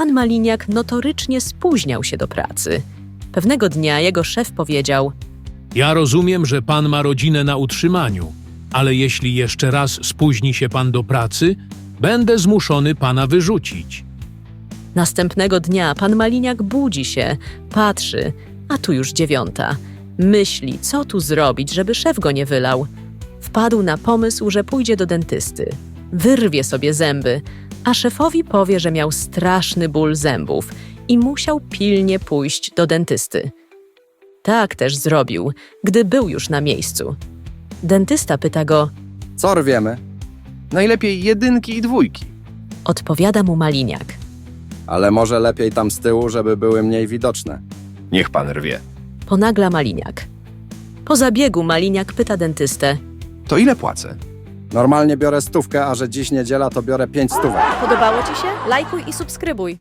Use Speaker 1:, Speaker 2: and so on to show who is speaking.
Speaker 1: pan Maliniak notorycznie spóźniał się do pracy. Pewnego dnia jego szef powiedział:
Speaker 2: Ja rozumiem, że pan ma rodzinę na utrzymaniu, ale jeśli jeszcze raz spóźni się pan do pracy, będę zmuszony pana wyrzucić.
Speaker 1: Następnego dnia pan Maliniak budzi się, patrzy, a tu już 9:00. Myśli, co tu zrobić, żeby szef go nie wylał. Wpadł na pomysł, że pójdzie do dentysty. Wyrwie sobie zęby, a szefowi powie, że miał straszny ból zębów i musiał pilnie pójść do dentysty. Tak też zrobił, gdy był już na miejscu. Dentysta pyta go,
Speaker 3: Co rwiemy?
Speaker 4: Najlepiej 1 i 2.
Speaker 1: odpowiada mu Maliniak.
Speaker 3: Ale może lepiej tam z tyłu, żeby były mniej widoczne.
Speaker 4: Niech pan rwie.
Speaker 1: Ponagla Maliniak. Po zabiegu Maliniak pyta dentystę.
Speaker 4: To ile płacę?
Speaker 3: Normalnie biorę 100, a że dziś niedziela, to biorę 5 stówek.
Speaker 5: Podobało Ci się? Lajkuj i subskrybuj.